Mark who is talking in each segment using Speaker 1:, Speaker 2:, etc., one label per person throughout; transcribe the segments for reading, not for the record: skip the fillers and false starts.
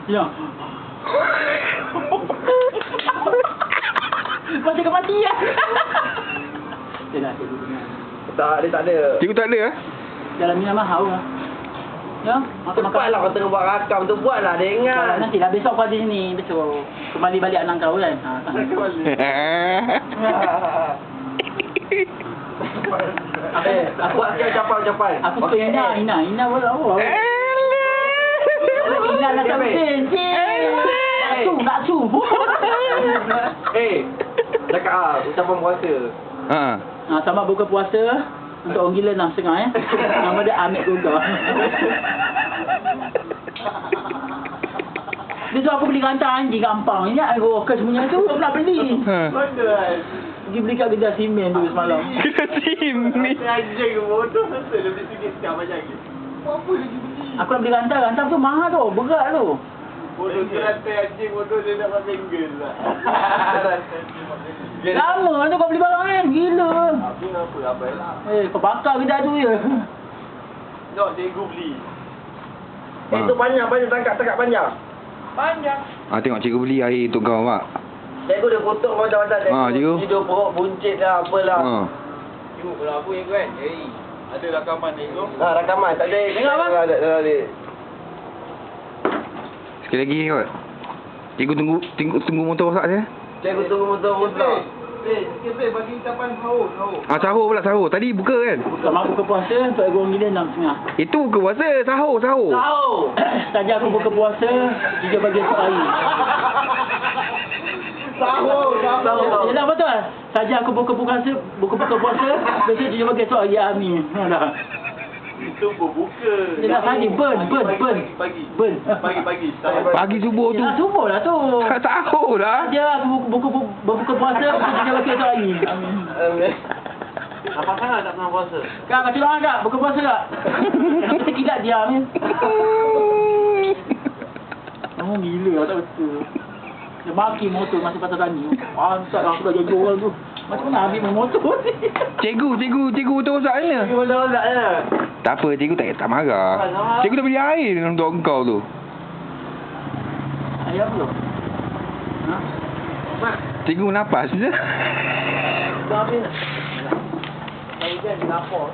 Speaker 1: Ya. Macam kematian. Dia nak cikgu dengar.
Speaker 2: Tak, dia tak ada.
Speaker 3: Cikgu tak ada eh?
Speaker 1: Dalam minat mahal lah. Ya,
Speaker 2: Cepatlah kau tengah buat rakam tu, buatlah dia ingat.
Speaker 1: Nanti dah besok kau ada sini, besok kembali balik anak kau kan.
Speaker 2: Aku buat sikit ucapan.
Speaker 1: Aku suka Ina boleh awak. Ina nak sampai. Nak su.
Speaker 2: Cakap ucapan puasa.
Speaker 1: Selamat buka puasa. Untuk orang gila 6.5 ya. Nama dia Amit Goga. Dia suruh aku beli rantai anjing gampang. Ingat aku workers punya tu, aku nak beli. Pergi beli kat Gejar Simen tu semalam.
Speaker 3: Gejar Simen?
Speaker 2: Anjing bodoh. Dia beli sikit sekarang macam ni. Apa lagi beli?
Speaker 1: Aku nak beli rantai tu mahal tu, berat tu.
Speaker 2: Bodoh rantai anjing bodoh dia dapat single lah.
Speaker 1: Lama tu kau beli barang kan, gila.
Speaker 2: Habis apa lah.
Speaker 1: Kau bakar Gejar tu je.
Speaker 2: Tengok cikgu beli. Itu panjang tangkap panjang. Panjang.
Speaker 3: Tengok cikgu beli air untuk kau, Mak.
Speaker 2: Cikgu dia kotak macam-macam.
Speaker 3: Cikgu.
Speaker 2: Tidur perut buncit lah, apalah.
Speaker 4: Cikgu kalau apa yang kan? Ada rakaman cikgu.
Speaker 2: Rakaman. Tak ada.
Speaker 1: Tengok apa?
Speaker 2: Tak ada.
Speaker 3: Sekali lagi kot. Cikgu tunggu motor rosak je.
Speaker 2: Cikgu tunggu motor.
Speaker 4: Sikit bagi ucapan sahur.
Speaker 3: Sahur pula sahur. Tadi buka kan?
Speaker 1: Selamat buka puasa untuk orang gila 6.5.
Speaker 3: Itu buka puasa. Sahur.
Speaker 1: Tahu. Saja aku buka puasa 3 bagian sehari.
Speaker 2: Sahur.
Speaker 1: Yalah betul. Saja aku buka puasa, besok 3 bagian sehari amin. Dah.
Speaker 4: Itu berbuka.
Speaker 1: Yalah tadi burn.
Speaker 4: Pagi.
Speaker 3: Pagi subuh tu.
Speaker 1: Yalah subuh lah tu.
Speaker 3: Tak sahur dah.
Speaker 1: Saja aku berbuka puasa, besok 3 bagian sehari. Amin.
Speaker 4: Apa sangat tak pernah puasa?
Speaker 1: Kak, kacau orang tak? Buka puasa tak? Kenapa terkilat dia, Amin? Kamu gila lah, tak betul. Dia maki motor masa pasal tani. Pantat lah, aku dah jaga orang tu. Macam mana ambil motor ni?
Speaker 3: Cikgu tu rosak mana?
Speaker 2: Rosak je.
Speaker 3: Tak apa, cikgu tak marah. Cikgu dah beli air untuk engkau tu.
Speaker 1: Ayah belum? Ha?
Speaker 3: Cikgu napas je.
Speaker 1: Dah habis dah. Saya kan di lapor.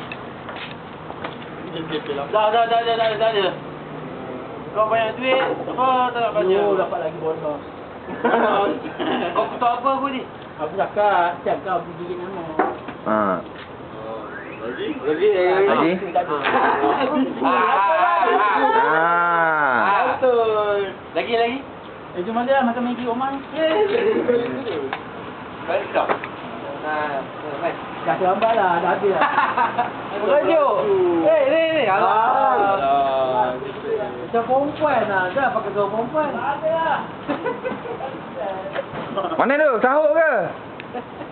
Speaker 1: Dah.
Speaker 4: Kau banyak duit, apa tak nak banyak?
Speaker 1: Oh, dapat lagi bonus.
Speaker 4: Kau kutuk apa pun ni?
Speaker 1: Aku cakap, siap kau pergi gigit nama.
Speaker 2: Lagi.
Speaker 4: Betul. Lagi.
Speaker 1: Itu mana lah makan Maggi Oman.
Speaker 4: Baik tak?
Speaker 1: Dah terlambat lah, dah habis lah.
Speaker 4: Rajuk. Ni. Alah.
Speaker 1: Macam perempuan lah, dah pakai gaul perempuan.
Speaker 3: Mana tu? Sahur ke?